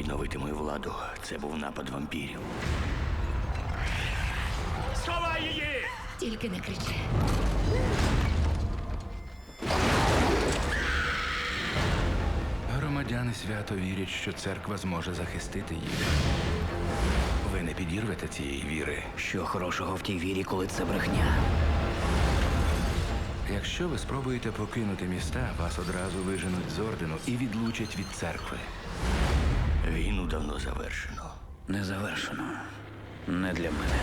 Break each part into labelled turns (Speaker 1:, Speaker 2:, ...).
Speaker 1: відновити мою владу. Це був напад вампірів.
Speaker 2: Сховай її!
Speaker 3: Тільки не кричи.
Speaker 4: Громадяни свято вірять, що церква зможе захистити їх. Ви не підірвете цієї віри.
Speaker 1: Що хорошого в тій вірі, коли це брехня?
Speaker 4: Якщо ви спробуєте покинути міста, вас одразу виженуть з ордену і відлучать від церкви.
Speaker 1: Війну давно завершено. Не завершено. Не для мене.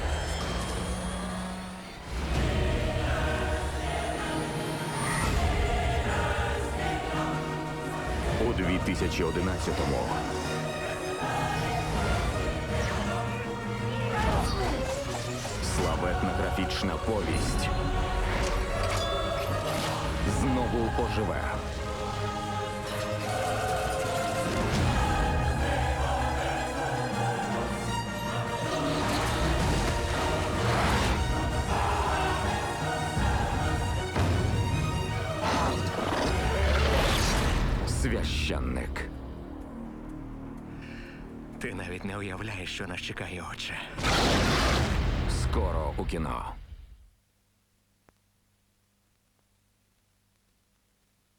Speaker 2: У 2011-му славетна графічна повість знову оживе. Священник.
Speaker 5: Ти навіть не уявляєш, що нас чекає, отче.
Speaker 2: Скоро у кіно.